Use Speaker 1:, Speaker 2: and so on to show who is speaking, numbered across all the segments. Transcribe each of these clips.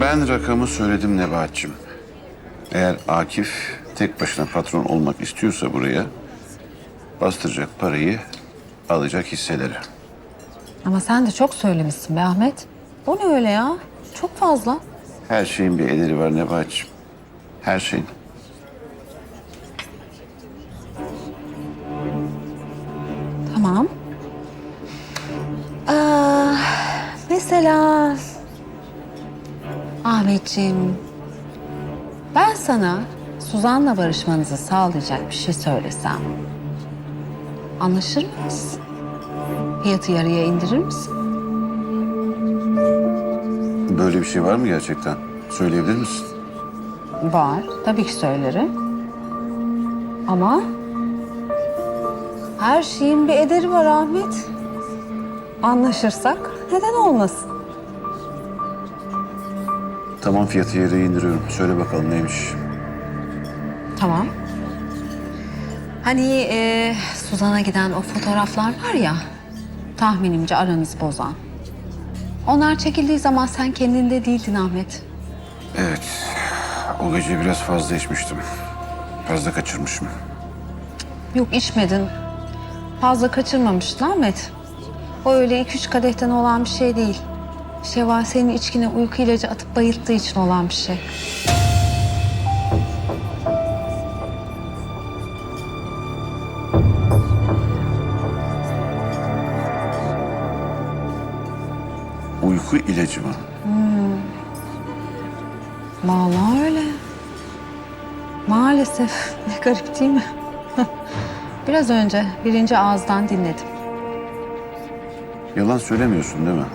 Speaker 1: Ben rakamı söyledim Nebahat'cığım. Eğer Akif tek başına patron olmak istiyorsa buraya... bastıracak parayı, alacak hisseleri.
Speaker 2: Ama sen de çok söylemişsin be Ahmet. O ne öyle ya? Çok fazla.
Speaker 1: Her şeyin bir ederi var Nebahat'cığım. Her şeyin.
Speaker 2: Tamam. Mesela Ahmetciğim, ben sana Suzan'la barışmanızı sağlayacak bir şey söylesem, anlaşır mıyız? Fiyatı yarıya indirir misin?
Speaker 1: Böyle bir şey var mı gerçekten? Söyleyebilir misin?
Speaker 2: Var, tabii ki söylerim. Ama her şeyin bir ederi var Ahmet. Anlaşırsak neden olmasın?
Speaker 1: Tamam, fiyatı yarıya indiriyorum. Söyle bakalım neymiş?
Speaker 2: Tamam. Hani Suzan'a giden o fotoğraflar var ya, tahminimce aranızı bozan. Onlar çekildiği zaman sen kendinde değildin Ahmet.
Speaker 1: Evet. O gece biraz fazla içmiştim. Fazla kaçırmışım.
Speaker 2: Yok içmedin. Fazla kaçırmamıştın Ahmet. O öyle 2-3 kadehten olan bir şey değil. Şevval senin içkine uyku ilacı atıp bayılttığı için olan bir şey.
Speaker 1: Uyku ilacı mı?
Speaker 2: Vallahi öyle. Maalesef. Ne garip değil mi? Biraz önce birinci ağızdan dinledim.
Speaker 1: Yalan söylemiyorsun değil mi?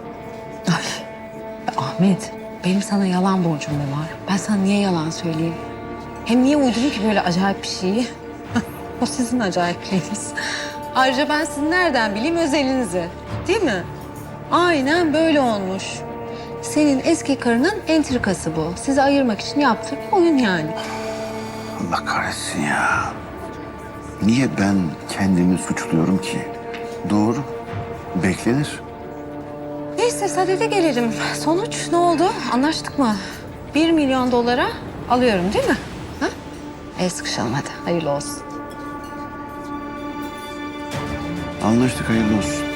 Speaker 2: Ahmet, benim sana yalan borcum mu var? Ben sana niye yalan söyleyeyim? Hem niye uydurayım ki böyle acayip bir şeyi? O sizin acayipliğiniz. Ayrıca ben sizin nereden bileyim özelinizi? Değil mi? Aynen böyle olmuş. Senin eski karının entrikası bu. Sizi ayırmak için yaptığı bir oyun yani.
Speaker 1: Allah kahretsin ya. Niye ben kendimi suçluyorum ki? Doğru. Beklenir.
Speaker 2: Neyse sadede gelelim. Sonuç ne oldu? Anlaştık mı? 1 milyon dolara alıyorum değil mi? Ha? El sıkışalım hadi. Hayırlı olsun.
Speaker 1: Anlaştık, hayırlı olsun.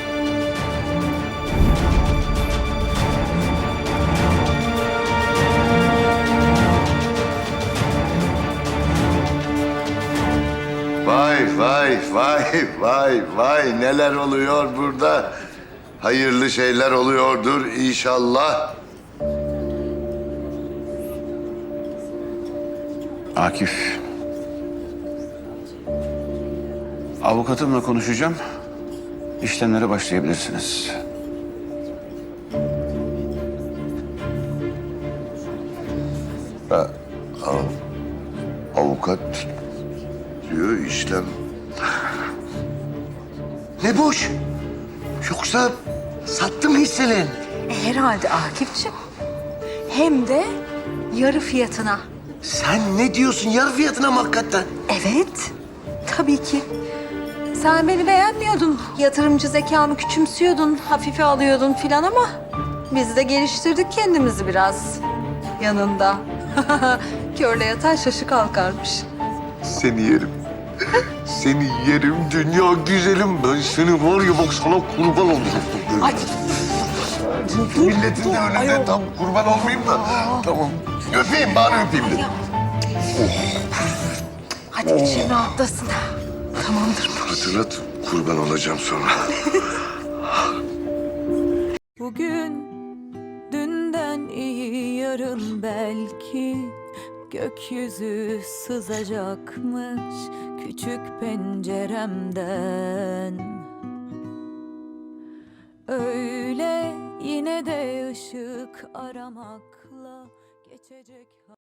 Speaker 3: Vay vay vay vay vay, neler oluyor burada? Hayırlı şeyler oluyordur inşallah.
Speaker 1: Akif. Avukatımla konuşacağım. İşlemlere başlayabilirsiniz.
Speaker 3: Avukat diyor, işlem. Ne boş? Yoksa sattım hisselerini.
Speaker 2: Herhalde Akif'ciğim. Hem de yarı fiyatına.
Speaker 3: Sen ne diyorsun, yarı fiyatına mı hakikaten?
Speaker 2: Evet. Tabii ki. Sen beni beğenmiyordun. Yatırımcı zekamı küçümsüyordun, hafife alıyordun filan ama biz de geliştirdik kendimizi biraz yanında. Körle yatan şaşı kalkarmış.
Speaker 3: Seni yerim. Seni yerim dünya güzelim. Ben seni var ya, bak sana kurban olurum.
Speaker 2: Ay.
Speaker 3: Milletin de önünde tam kurban olmayayım da. Tamam. Öpeyim, bari öpeyim de.
Speaker 2: Hadi için rahatlasın. Tamamdır.
Speaker 3: Hatırlat, kurban olacağım sonra.
Speaker 4: Bugün dünden iyi, yarın belki gökyüzü sızacakmış küçük penceremden. Öyle yine de ışık aramakla geçecek.